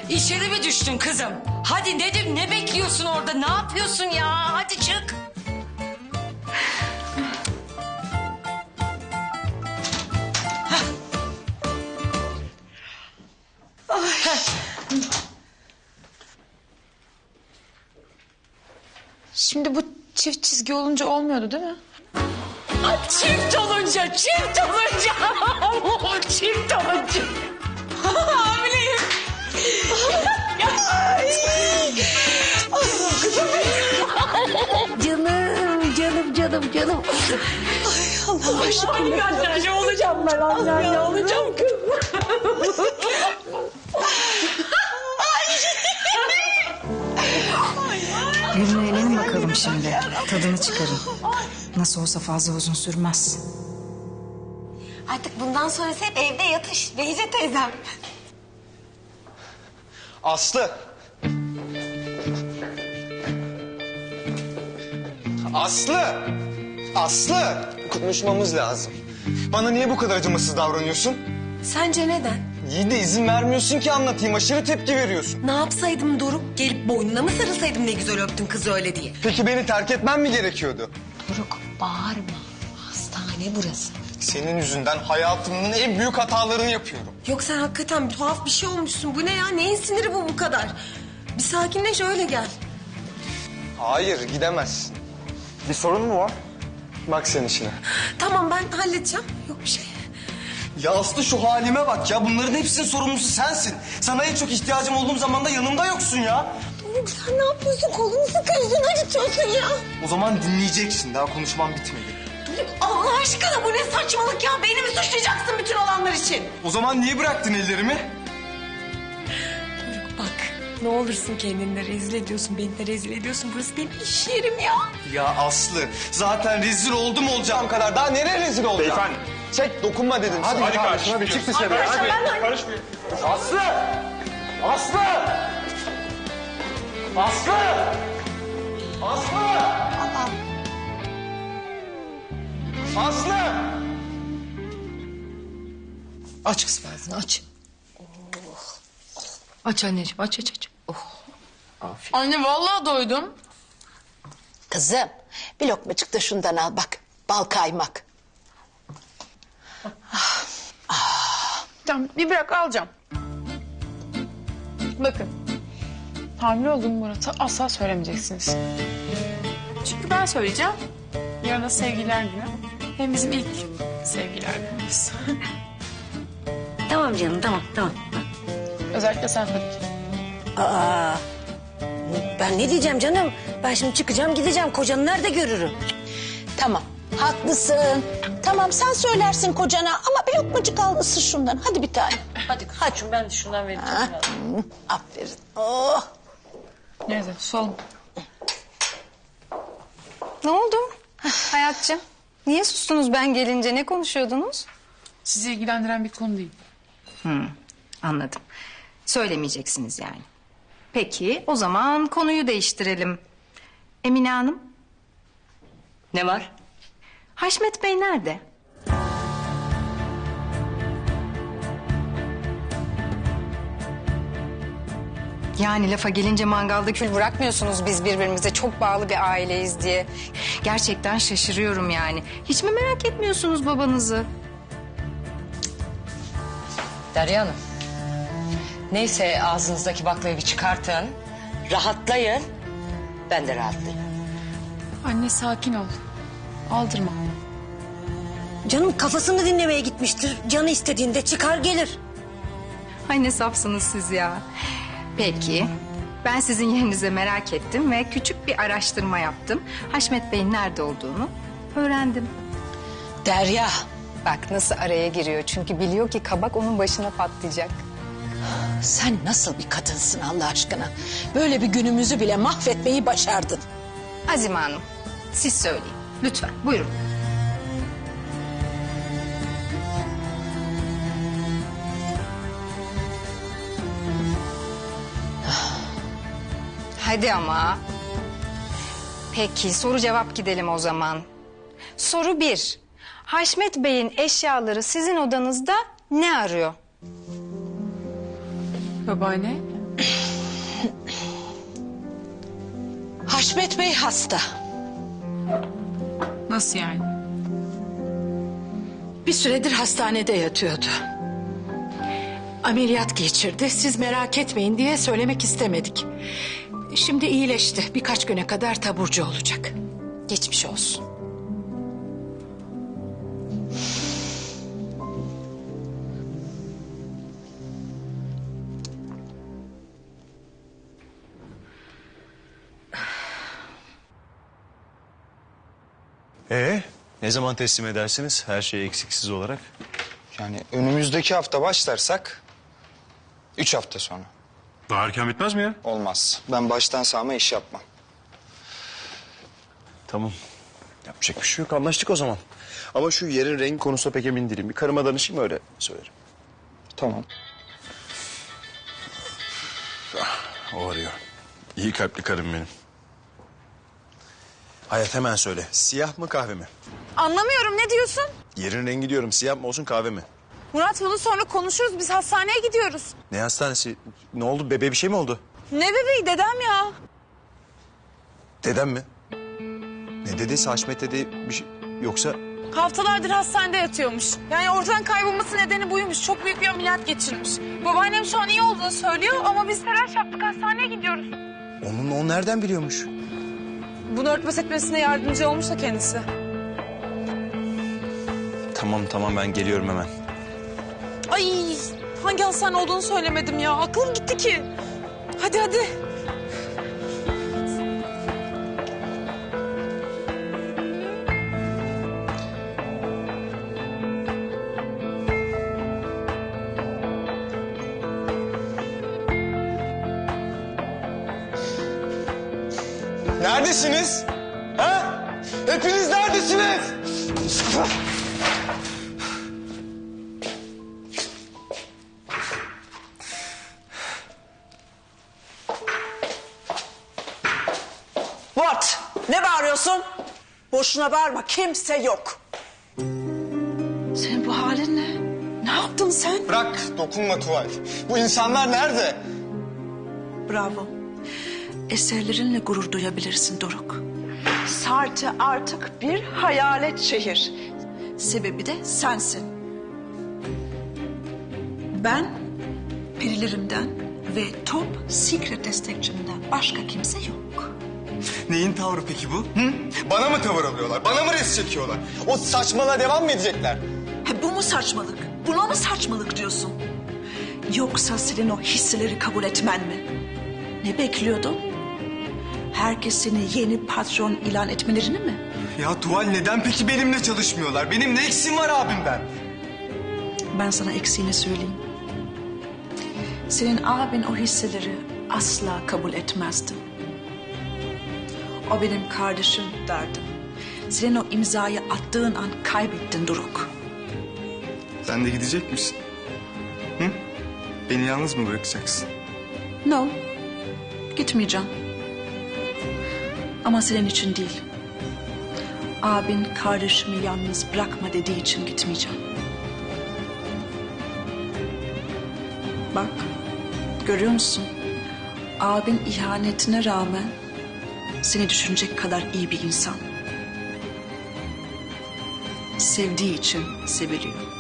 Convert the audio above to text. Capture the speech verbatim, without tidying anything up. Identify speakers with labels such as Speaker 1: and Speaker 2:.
Speaker 1: İçeri mi düştün kızım? Hadi Nedim, ne bekliyorsun orada? Ne yapıyorsun ya? Hadi çık.
Speaker 2: Şimdi bu çift çizgi olunca olmuyordu değil mi?
Speaker 1: Ay, çift olunca, çift olunca. Çift olunca. Hamileyim.
Speaker 3: Canım, canım, canım, canım. Ay Allah aşkına.
Speaker 1: Ay anne olacağım ben anne. Ne olacağım kız?
Speaker 4: Gülmeyelim bakalım şimdi. Tadını çıkarın. Nasıl olsa fazla uzun sürmez.
Speaker 3: Artık bundan sonrası hep evde yatış. Beyze teyzem.
Speaker 5: Aslı. Aslı. Aslı. Konuşmamız lazım. Bana niye bu kadar acımasız davranıyorsun?
Speaker 3: Sence neden?
Speaker 5: İyi de izin vermiyorsun ki anlatayım. Aşırı tepki veriyorsun.
Speaker 3: Ne yapsaydım Doruk? Gelip boynuna mı sarılsaydım ne güzel öptün kızı öyle diye?
Speaker 5: Peki beni terk etmem mi gerekiyordu?
Speaker 3: Doruk bağırma. Hastane burası.
Speaker 5: Senin yüzünden hayatımın en büyük hatalarını yapıyorum.
Speaker 3: Yok sen hakikaten bir tuhaf bir şey olmuşsun. Bu ne ya? Neyin siniri bu bu kadar? Bir sakinleş öyle gel.
Speaker 5: Hayır, gidemezsin. Bir sorun mu var? Bak sen işine.
Speaker 3: Tamam ben halledeceğim. Yok bir şey.
Speaker 5: Ya Aslı şu halime bak ya. Bunların hepsinin sorumlusu sensin. Sana en çok ihtiyacım olduğum zaman da yanımda yoksun ya.
Speaker 3: Doruk sen ne yapıyorsun? Kolunu sıkıyorsun, acıtıyorsun ya.
Speaker 5: O zaman dinleyeceksin. Daha konuşmam bitmedi.
Speaker 3: Doruk Allah aşkına bu ne saçmalık ya? Beni mi suçlayacaksın bütün olanlar için?
Speaker 5: O zaman niye bıraktın ellerimi?
Speaker 3: Doruk bak ne olursun kendini de rezil ediyorsun. Beni de rezil ediyorsun. Burası benim iş yerim ya.
Speaker 5: Ya Aslı zaten rezil oldum olacağım kadar. Daha nereye rezil olacağım?
Speaker 6: Beyefendi.
Speaker 5: Çek dokunma dedim.
Speaker 6: Hadi, hadi kardeşim hadi çık dışarı. Hadi. Karışmayın.
Speaker 5: Aslı! Aslı! Aslı! Aslı! Aslı!
Speaker 1: Aç kız ağzını, aç. Aç anneciğim, aç aç aç.
Speaker 2: Anne vallahi doydum.
Speaker 7: Kızım bir lokmacık da şundan al bak. Bal kaymak.
Speaker 2: Tamam bir bırak alacağım. Bakın. Hamile olduğum Murat'a asla söylemeyeceksiniz. Çünkü ben söyleyeceğim. Yarın da sevgililer günü. Hem bizim ilk sevgililer günümüz.
Speaker 3: Tamam canım tamam tamam.
Speaker 2: Özellikle sen Fadik.
Speaker 3: Aa, ben ne diyeceğim canım? Ben şimdi çıkacağım gideceğim. Kocanı nerede görürüm?
Speaker 7: Tamam haklısın. Tamam sen söylersin kocana ama bir lokmacık al ısır şundan. Hadi bir tane.
Speaker 1: Hadi kızım, ben de şundan vereceğim.
Speaker 7: Ha? Aferin. Oh.
Speaker 2: Neyse susalım.
Speaker 4: Ne oldu? Hayatcığım, niye sustunuz ben gelince? Ne konuşuyordunuz?
Speaker 2: Sizi ilgilendiren bir konu değil.
Speaker 4: Anladım. Söylemeyeceksiniz yani. Peki, o zaman konuyu değiştirelim. Emine Hanım,
Speaker 1: Ne var?
Speaker 4: Haşmet Bey nerede? Yani lafa gelince mangalda kül bırakmıyorsunuz biz birbirimize çok bağlı bir aileyiz diye. Gerçekten şaşırıyorum yani. Hiç mi merak etmiyorsunuz babanızı?
Speaker 1: Derya Hanım. Neyse ağzınızdaki baklayı bir çıkartın. Rahatlayın. Ben de rahatlayayım.
Speaker 2: Anne sakin ol. Aldırma.
Speaker 3: Canım kafasını dinlemeye gitmiştir. Canı istediğinde çıkar gelir.
Speaker 4: Ay ne safsınız siz ya. Peki, ben sizin yerinize merak ettim ve küçük bir araştırma yaptım. Haşmet Bey'in nerede olduğunu öğrendim.
Speaker 7: Derya.
Speaker 4: Bak nasıl araya giriyor çünkü biliyor ki kabak onun başına patlayacak.
Speaker 7: Sen nasıl bir kadınsın Allah aşkına? Böyle bir günümüzü bile mahvetmeyi başardın.
Speaker 4: Azime Hanım, siz söyleyin. Lütfen, buyurun. Hadi ama. Peki, soru cevap gidelim o zaman. Soru bir. Haşmet Bey'in eşyaları sizin odanızda ne arıyor?
Speaker 2: Babaanne
Speaker 7: Haşmet Bey hasta.
Speaker 2: Nasıl yani?
Speaker 7: Bir süredir hastanede yatıyordu. Ameliyat geçirdi. Siz merak etmeyin diye söylemek istemedik. Şimdi iyileşti. Birkaç güne kadar taburcu olacak. Geçmiş olsun.
Speaker 8: Ee, ne zaman teslim edersiniz her şey eksiksiz olarak?
Speaker 6: Yani önümüzdeki hafta başlarsak üç hafta sonra.
Speaker 8: Daha erken bitmez mi ya?
Speaker 6: Olmaz. Ben baştan sağma iş yapmam.
Speaker 8: Tamam. Yapacak bir şey yok. Anlaştık o zaman. Ama şu yerin rengi konusunda pek emin değilim. Bir karıma danışayım öyle söylerim.
Speaker 6: Tamam.
Speaker 8: O arıyor. İyi kalpli karım benim. Hayat hemen söyle. Siyah mı kahve mi?
Speaker 9: Anlamıyorum, ne diyorsun?
Speaker 8: Yerin rengi diyorum. Siyah mı olsun kahve mi?
Speaker 9: Murat, bunu sonra konuşuruz. Biz hastaneye gidiyoruz.
Speaker 8: Ne hastanesi? Ne oldu? Bebeğe bir şey mi oldu?
Speaker 9: Ne bebeği, dedem ya.
Speaker 8: Dedem mi? Ne dediyse Haşmet dedi bir şey... Yoksa...
Speaker 9: Haftalardır hastanede yatıyormuş. Yani ortadan kaybolması nedeni buymuş. Çok büyük bir ameliyat geçirmiş. Babaannem şu an iyi olduğunu söylüyor ama biz telaş yaptık, hastaneye gidiyoruz.
Speaker 8: Onun o nereden biliyormuş?
Speaker 9: Bunu örtbas etmesine yardımcı olmuş da kendisi.
Speaker 8: Tamam tamam ben geliyorum hemen.
Speaker 9: Ay, hangi hastane olduğunu söylemedim ya. Aklım gitti ki. Hadi hadi.
Speaker 5: Neredesiniz? Ha? Hepiniz neredesiniz?
Speaker 7: What? Ne bağırıyorsun? Boşuna bağırma. Kimse yok. Senin bu halin ne? Ne yaptın sen?
Speaker 5: Bırak, dokunma Tuval. Bu insanlar nerede?
Speaker 10: Bravo. Eserlerinle gurur duyabilirsin Doruk. Sartı artık bir hayalet şehir. Sebebi de sensin. Ben perilerimden ve top secret destekçimden başka kimse yok.
Speaker 5: Neyin tavrı peki bu? Hı? Bana mı tavır alıyorlar? Bana mı res çekiyorlar? O saçmalığa devam mı edecekler?
Speaker 10: He, bu mu saçmalık? Buna mı saçmalık diyorsun? Yoksa senin o hisseleri kabul etmen mi? Ne bekliyordun? Herkes seni yeni patron ilan etmelerini mi?
Speaker 5: Ya Tuval neden peki benimle çalışmıyorlar? Benim ne eksiğim var abimden?
Speaker 10: Ben sana eksiğini söyleyeyim. Senin abin o hisseleri asla kabul etmezdi. O benim kardeşim derdim. Senin o imzayı attığın an kaybettin Doruk.
Speaker 5: Sen de gidecek misin? Hı? Beni yalnız mı bırakacaksın?
Speaker 10: No, gitmeyeceğim. Ama senin için değil. Abin kardeşimi yalnız bırakma dediği için gitmeyeceğim. Bak, görüyor musun? Abin ihanetine rağmen seni düşünecek kadar iyi bir insan. Sevdiği için seviliyor.